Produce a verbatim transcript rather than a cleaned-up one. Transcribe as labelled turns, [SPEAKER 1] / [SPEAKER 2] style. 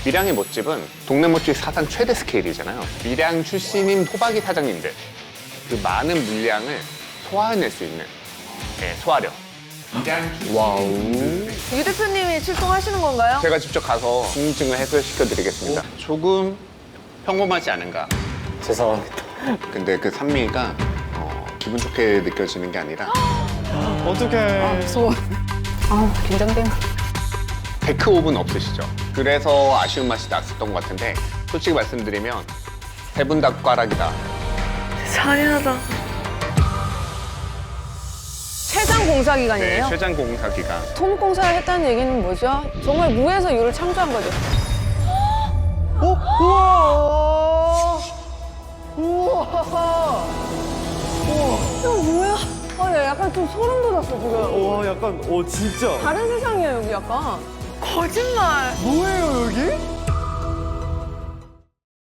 [SPEAKER 1] 밀양의 멋집은 동네 멋집 사상 최대 스케일이잖아요. 밀양 출신인 토박이 사장님들, 그 많은 물량을 소화해낼 수 있는 네, 소화력. 밀양
[SPEAKER 2] 와우.
[SPEAKER 3] 유 대표님이 출동하시는 건가요?
[SPEAKER 1] 제가 직접 가서 궁금증을 해소시켜드리겠습니다. 조금 평범하지 않은가.
[SPEAKER 2] 죄송합니다.
[SPEAKER 1] 근데 그 산미가 어, 기분 좋게 느껴지는 게 아니라
[SPEAKER 2] 어떡해.
[SPEAKER 3] 무서워. 아, 긴장돼.
[SPEAKER 1] 데크 오븐 없으시죠? 그래서 아쉬운 맛이 났었던 것 같은데 솔직히 말씀드리면 세분 닭가락이다.
[SPEAKER 3] 잔인하다. 최장 공사
[SPEAKER 1] 네,
[SPEAKER 3] 기간이에요?
[SPEAKER 1] 최장 공사 기간.
[SPEAKER 3] 토목공사를 했다는 얘기는 뭐죠? 정말 무에서 유를 창조한 거죠.
[SPEAKER 2] 어? 우와.
[SPEAKER 3] 우와. 우와. 이거 뭐야? 아, 야, 약간 좀 소름 돋았어, 지금.
[SPEAKER 2] 와, 약간, 오, 진짜.
[SPEAKER 3] 다른 세상이야, 여기 약간. 거짓말.
[SPEAKER 2] 뭐예요, 여기?